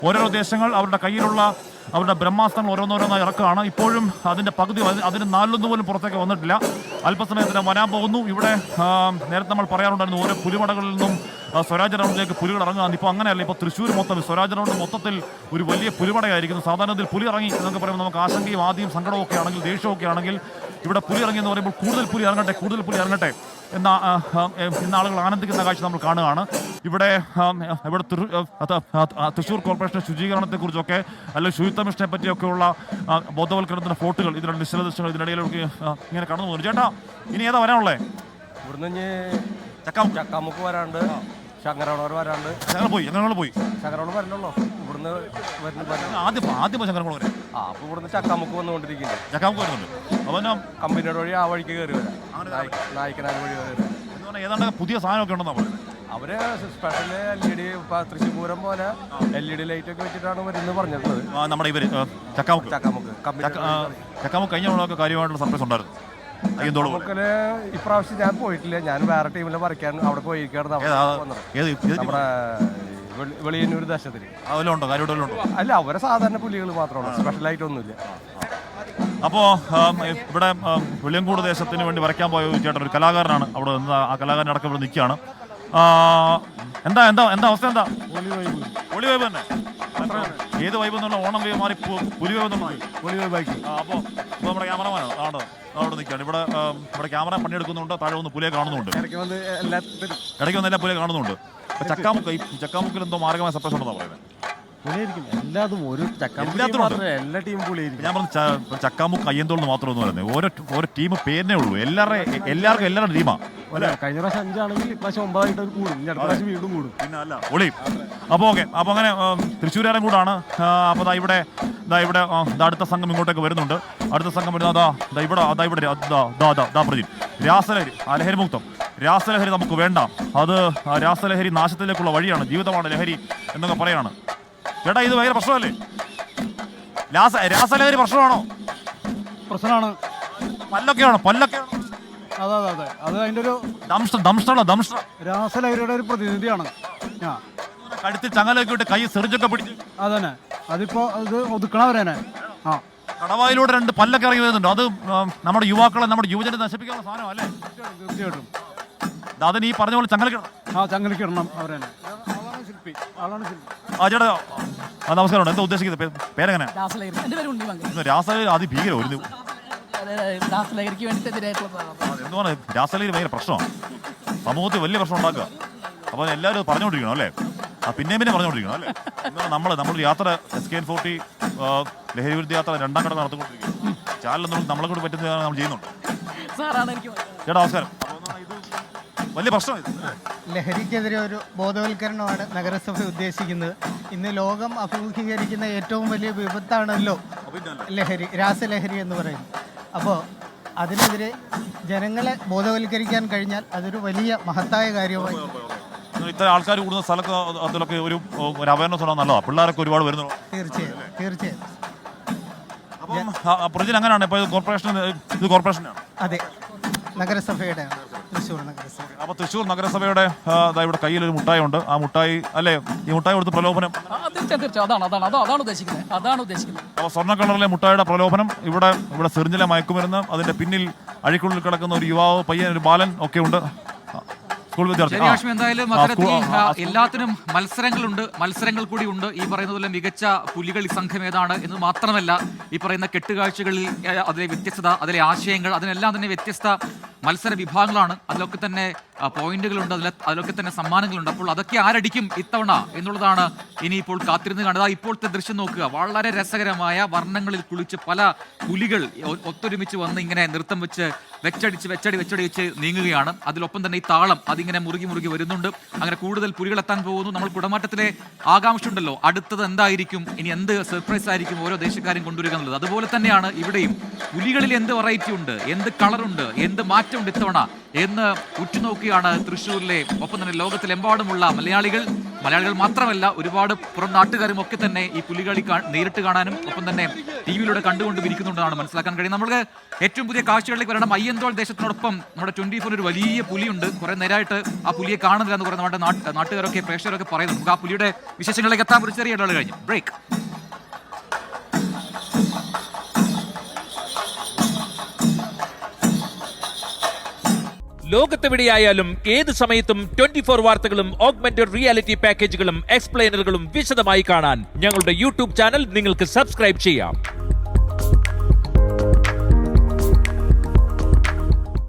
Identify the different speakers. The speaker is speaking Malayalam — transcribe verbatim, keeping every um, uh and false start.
Speaker 1: ഓരോരോ ദേശങ്ങൾ അവരുടെ കയ്യിലുള്ള അവരുടെ ബ്രഹ്മാസ്ത്രങ്ങൾ ഓരോന്നോരോന്നായി ഇറക്കുകയാണ്. ഇപ്പോഴും അതിൻ്റെ പകുതി അതിന് നാലിലൊന്നു പോലും പുറത്തേക്ക് വന്നിട്ടില്ല. അല്പസമയത്തിന് വരാൻ പോകുന്നു. ഇവിടെ നേരത്തെ നമ്മൾ പറയാറുണ്ടായിരുന്നു ഓരോ പുലിമടകളിൽ നിന്നും സ്വരാജ് റൗണ്ടിലേക്ക് പുലികൾ ഇറങ്ങുകയാണ്. ഇപ്പോൾ അങ്ങനെയല്ല. ഇപ്പോൾ തൃശ്ശൂർ മൊത്തം സ്വരാജ് റൗണ്ട് മൊത്തത്തിൽ ഒരു വലിയ പുലിമടയായിരിക്കുന്നു. സാധാരണത്തിൽ പുലി ഇറങ്ങി എന്നൊക്കെ പറയുമ്പോൾ നമുക്ക് ആശങ്കയും ആദ്യം സങ്കടവും ഒക്കെ ആണെങ്കിൽ ദേഷ്യമൊക്കെ ആണെങ്കിൽ ഇവിടെ പുലി ഇറങ്ങി എന്ന് പറയുമ്പോൾ കൂടുതൽ പുലി ഇറങ്ങട്ടെ കൂടുതൽ പുലി ഇറങ്ങട്ടെ എന്ന ഇന്ന് ആളുകൾ ആനന്ദിക്കുന്ന കാഴ്ച നമ്മൾ കാണുകയാണ്. ഇവിടെ ഇവിടെ തൃശ്ശൂർ കോർപ്പറേഷൻ ശുചീകരണത്തെക്കുറിച്ചൊക്കെ അല്ലെങ്കിൽ ശുചിത്വ മിഷനെ പറ്റിയൊക്കെയുള്ള ബോധവൽക്കരണത്തിന്റെ ഫോട്ടോകൾ ഇതിനുള്ള നിശ്ചല ദൃശ്യങ്ങൾ ഇതിനിടയിലൊക്കെ ഇങ്ങനെ കടന്നു പോകുന്നു. ചേട്ടാ ഇനി ഏതാ വരാനുള്ളേ?
Speaker 2: ഇവിടുന്ന് ചക്കാമുക്ക് ചക്കാമുക്ക് വരാണ്ട് ശങ്കരവളവർ വരാണ്ട്
Speaker 1: ഞങ്ങൾ പോയി ഞങ്ങൾ പോയി
Speaker 2: ശങ്കരവളം വരണല്ലോ. ഇവിടുന്ന്
Speaker 1: ആദ്യം ആദ്യം ശങ്കരവളം വരെ
Speaker 2: ആ അപ്പോൾ ഇവിടുന്ന് ചക്കാമുക്ക് വന്നുകൊണ്ടിരിക്കുന്നത്.
Speaker 1: ചക്കാമുക്ക് വരുന്നുണ്ട്. അപ്പോൾ
Speaker 2: കമ്പനിയുടെ വഴി ആ വഴിക്ക് കയറി വരാം. നായിക്കനാട് വഴി കയറി
Speaker 1: വരാം. ഏതാണ്ട് പുതിയ സാധനമൊക്കെ ഉണ്ടെന്നാ പറയുന്നത്.
Speaker 2: അവര് special L E D Thrissur Pooram പോലെ എൽ ഇ ഡി ലൈറ്റ് ഒക്കെ വെച്ചിട്ടാണ് വരുന്നത് പറഞ്ഞിട്ടുള്ളത്.
Speaker 1: നമ്മുടെ ഇവര് ചക്കാമുക്ക്
Speaker 2: ചക്കാമുക്ക്
Speaker 1: ചക്കാമുക്ക് കഴിഞ്ഞ തവണ കാര്യം സർപ്രൈസ് ഉണ്ടായിരുന്നു.
Speaker 2: ചക്കാമുക്കില് ഇപ്രാവശ്യം ഞാൻ പോയിട്ടില്ല. ഞാൻ വേറെ ടീമിലെ പറിക്കാൻ അവിടെ പോയിരിക്കാണ്. നമ്മുടെ വെളിയന്നൂർ ദേശത്തിൽ അല്ല അവരെ സാധാരണ പുലികൾ മാത്രമാണ്, സ്പെഷ്യലായിട്ട് ഒന്നുമില്ല.
Speaker 1: അപ്പോൾ ഇവിടെ വെളിയങ്കോട് ദേശത്തിന് വേണ്ടി വരയ്ക്കാൻ പോയ ചേട്ടൻ ഒരു കലാകാരനാണ്. അവിടെ നിന്ന് ആ കലാകാരൻ അടക്കം ഇവിടെ നിൽക്കുകയാണ്. എന്താ എന്താ എന്താ അവസ്ഥ? എന്താ പൊളി വൈബ് തന്നെ? ഏത് വൈബ് എന്നുള്ള ഓണം വൈബ് മാറി പുലി വൈബ് എന്നുള്ള
Speaker 2: പൊളി വൈബാക്കി.
Speaker 1: അപ്പോൾ ഇപ്പോൾ നമ്മുടെ ക്യാമറമാനാണ് ആണ് അവിടെ നിൽക്കുകയാണ്. ഇവിടെ ഇവിടെ ക്യാമറ പണിയെടുക്കുന്നുണ്ട്. താഴെ ഒന്ന് പുലിയെ കാണുന്നുണ്ട്. ഇടയ്ക്ക് വന്ന് എല്ലാ പുലിയെ കാണുന്നുണ്ട്. ചക്കാമുക്ക് ഈ ചക്കാമുക്കിൽ എന്തോ മാർഗമായ സർപ്രൈസ് ഉണ്ടെന്നാണ് പറയുന്നത്.
Speaker 2: എല്ലാതും ഒരു എല്ലാ ടീമും പുളിയായിരിക്കും.
Speaker 1: ഞാൻ പറഞ്ഞു ചക്കാമുക്ക് അയ്യന്തോൾ മാത്രമൊന്നും പറയുന്നത് ഓരോ ഓരോ ടീം പേരിനേ ഉള്ളൂ. എല്ലാവരുടെ എല്ലാവർക്കും എല്ലാവരുടെ ടീമാണ്.
Speaker 2: കഴിഞ്ഞ പ്രാവശ്യം അഞ്ചാണെങ്കിൽ ഇപ്രാവശ്യം ഒമ്പതായിട്ട് കൂടും. അടുത്ത പ്രാവശ്യം വീണ്ടും കൂടും.
Speaker 1: പിന്നെ അല്ല ഒളി. അപ്പോൾ ഓക്കെ. അപ്പോൾ അങ്ങനെ തൃശ്ശൂരുകാരൻ കൂടാണ്. അപ്പോൾ ദാ ഇവിടെ ദാ ഇവിടെ അടുത്ത സംഘം ഇങ്ങോട്ടേക്ക് വരുന്നുണ്ട്. അടുത്ത സംഘം വരുന്നത് അതാ ദാ ഇവിടെ അതാ ഇവിടെ ദാ പ്രജി രാസലഹരി ആ ലഹരി മുക്തം. രാസലഹരി നമുക്ക് വേണ്ട. അത് രാസലഹരി നാശത്തിലേക്കുള്ള വഴിയാണ്. ജീവിതമാണ് ലഹരി എന്നൊക്കെ പറയാണ്. ചേട്ടാ ഇത് ഭയങ്കര പ്രശ്നമല്ലേ? രാസ രാസലഹരി പ്രശ്നമാണോ?
Speaker 3: പ്രശ്നമാണ്.
Speaker 1: പല്ലൊക്കെയാണോ? പല്ലൊക്കെയാണോ?
Speaker 3: അതെ അതെ അതെ അത് അതിൻ്റെ ഒരു രാസലഹരിയുടെ ഒരു പ്രതിനിധിയാണ്.
Speaker 1: കഴുത്തിൽ ചങ്ങലൊക്കെ ഇട്ട് കൈ സെറിഞ്ചൊക്കെ പിടിച്ച്
Speaker 3: അതന്നെ അതിപ്പോ അത് ഒതുക്കണവരനെ. ആ
Speaker 1: കടവായിലൂടെ രണ്ട് പല്ലൊക്കെ ഇറങ്ങി വരുന്നുണ്ട്. അത് നമ്മുടെ യുവാക്കളെ നമ്മുടെ യുവജനെ നശിപ്പിക്കാനുള്ള സാധനം അല്ലേ?
Speaker 3: തീർച്ചയായിട്ടും
Speaker 1: അതിന് ഈ പറഞ്ഞ പോലെ ചങ്ങലക്കിടണം.
Speaker 3: ആ ചങ്ങലക്കിടണം അവരനെ. ആളാണ് ശില്പി ആളാണ് ശില്പി.
Speaker 1: ആ ചേട്ടാ നമസ്കാരം. എന്താ ഉദ്ദേശിക്കുന്നത്? പേരെങ്ങനെ? രാസലഹരി അതിഭീകരം ഒരു
Speaker 4: രാസലഹരിക്ക്
Speaker 1: എന്തുവാണ് രാസലഹരി ഭയങ്കര പ്രശ്നമാണ്. സമൂഹത്തിൽ വലിയ പ്രശ്നം ഉണ്ടാക്കുക. അപ്പോൾ എല്ലാവരും പറഞ്ഞുകൊണ്ടിരിക്കണം അല്ലേ? ആ പിന്നെ പിന്നെ പറഞ്ഞുകൊണ്ടിരിക്കണം അല്ലേ? നമ്മൾ നമ്മളൊരു യാത്ര എസ് കെ എൻ ഫോർട്ടി ലഹരി വിരുദ്ധ യാത്ര രണ്ടാം ഘട്ടം നടത്തിക്കൊണ്ടിരിക്കുന്നു. ചാനലൊന്നും നമ്മളെ കൂടി പറ്റുന്ന നമ്മൾ ചെയ്യുന്നുണ്ട്. ചേട്ടാ നമസ്കാരം. വലിയ പ്രശ്നം
Speaker 5: ലഹരിക്കെതിരെ ഒരു ബോധവൽക്കരണമാണ് നഗരസഭ ഉദ്ദേശിക്കുന്നത്. ഇന്ന് ലോകം അഭിമുഖീകരിക്കുന്ന ഏറ്റവും വലിയ വിപത്താണല്ലോ ലഹരി, രാസലഹരി എന്ന് പറയുന്നത്. അപ്പോൾ അതിനെതിരെ ജനങ്ങളെ ബോധവൽക്കരിക്കാൻ കഴിഞ്ഞാൽ അതൊരു വലിയ മഹത്തായ കാര്യമായി.
Speaker 1: ഇത്ര ആൾക്കാർ കൂടുന്ന സ്ഥലത്ത് അതിലൊക്കെ ഒരു അവയർനെസ് ഉണ്ടോ? നല്ലതാണ്. പിള്ളേരൊക്കെ ഒരുപാട് വരുന്നു.
Speaker 5: തീർച്ചയായും തീർച്ചയായും.
Speaker 1: പ്രൊജൻ അങ്ങനെയാണ്. ഇപ്പോൾ കോർപ്പറേഷൻ ഇത് കോർപ്പറേഷനാണ്.
Speaker 5: അതെ, നഗരസഭയുടെ തൃശ്ശൂർ നഗരസഭ.
Speaker 1: അപ്പോൾ തൃശ്ശൂർ നഗരസഭയുടെ ഇവിടെ കയ്യിൽ ഒരു മുട്ടായി ഉണ്ട്. ആ മുട്ടായി അല്ലേ ഈ മുട്ടായി കൊടുത്ത് പ്രലോഭനം? അപ്പോൾ സ്വർണ്ണ കളറിലെ മുട്ടായിയുടെ പ്രലോഭനം. ഇവിടെ ഇവിടെ സിറിഞ്ചിലെ മയക്കുമരുന്ന്, അതിന്റെ പിന്നിൽ അഴിക്കുള്ളിൽ കിടക്കുന്ന ഒരു യുവാവ് പയ്യൻ, ഒരു ബാലൻ ഒക്കെ ഉണ്ട്.
Speaker 6: എന്തായാലും അത്തരത്തിൽ എല്ലാത്തിനും മത്സരങ്ങളുണ്ട്, മത്സരങ്ങൾ കൂടി ഉണ്ട്. ഈ പറയുന്ന പോലെ മികച്ച പുലികളി സംഘം ഏതാണ് എന്ന് മാത്രമല്ല, ഈ പറയുന്ന കെട്ടുകാഴ്ചകളിൽ അതിലെ വ്യത്യസ്തത, അതിലെ ആശയങ്ങൾ, അതിനെല്ലാം തന്നെ വ്യത്യസ്ത മത്സര വിഭാഗങ്ങളാണ്. അതിലൊക്കെ തന്നെ പോയിന്റുകളുണ്ട്, അതിൽ അതിലൊക്കെ തന്നെ സമ്മാനങ്ങളുണ്ട്. അപ്പോൾ അതൊക്കെ ആരടിക്കും ഇത്തവണ എന്നുള്ളതാണ് ഇനിയിപ്പോൾ കാത്തിരുന്ന് കണ്ടത്. ഇപ്പോഴത്തെ ദൃശ്യം നോക്കുക. വളരെ രസകരമായ വർണ്ണങ്ങളിൽ കുളിച്ച് പല പുലികൾ ഒത്തൊരുമിച്ച് വന്ന് ഇങ്ങനെ നൃത്തം വെച്ച് വെച്ചടിച്ച് വെച്ചടി വെച്ചടി വെച്ച് നീങ്ങുകയാണ്. അതിലൊപ്പം തന്നെ ഈ താളം അതിങ്ങനെ മുറുകി മുറുകി വരുന്നുണ്ട്. അങ്ങനെ കൂടുതൽ പുലികൾ എത്താൻ പോകുന്നു. നമ്മൾ കുടമാറ്റത്തിലെ ആകാംക്ഷ ഉണ്ടല്ലോ, അടുത്തത് എന്തായിരിക്കും, ഇനി എന്ത് സർപ്രൈസ് ആയിരിക്കും ഓരോ ദേശക്കാരും കൊണ്ടുവരിക എന്നുള്ളത്. അതുപോലെ തന്നെയാണ് ഇവിടെയും പുലികളിൽ എന്ത് വെറൈറ്റി ഉണ്ട്, എന്ത് കളറുണ്ട്, എന്ത് മാറ്റമുണ്ട് ഇത്തവണ എന്ന് ഉറ്റുനോക്കിയാണ് തൃശ്ശൂരിലെ, ഒപ്പം തന്നെ ലോകത്തിലെമ്പാടുമുള്ള മലയാളികൾ. മലയാളികൾ മാത്രമല്ല ഒരുപാട് പുറം നാട്ടുകാരും ഒക്കെ തന്നെ ഈ പുലികളി കാ- നേരിട്ട് കാണാനും ഒപ്പം തന്നെ ടി വിയിലൂടെ കണ്ടുകൊണ്ട് ഇരിക്കുന്നുണ്ടെന്നാണ് മനസ്സിലാക്കാൻ കഴിയും. നമുക്ക് ഏറ്റവും പുതിയ കാഴ്ചകളിലേക്ക് വരണം. അയ്യന്തോൾ ദേശത്തിനോടൊപ്പം നമ്മുടെ ട്വന്റി ഫോർ ഒരു വലിയ പുലിയുണ്ട്. കുറെ നേരമായിട്ട് ആ പുലിയെ കാണുന്നില്ല എന്ന് പറയുന്ന നമ്മുടെ നാട്ട് നാട്ടുകാരൊക്കെ പ്രേക്ഷകരൊക്കെ പറയുന്നു. നമുക്ക് ആ പുലിയുടെ വിശേഷങ്ങളിലേക്ക് എത്താൻ ഒരു ചെറിയ ഇടവേള കഴിഞ്ഞു. ബ്രേക്ക്.
Speaker 7: ലോകത്തെവിടെയായാലും ഏത് സമയത്തും ട്വന്റി ഫോർ വാർത്തകളും ഓഗ്മെന്റഡ് റിയാലിറ്റി പാക്കേജുകളും എക്സ്പ്ലെയിനറുകളും വിശദമായി കാണാൻ ഞങ്ങളുടെ യൂട്യൂബ് ചാനൽ നിങ്ങൾക്ക് സബ്സ്ക്രൈബ് ചെയ്യാം.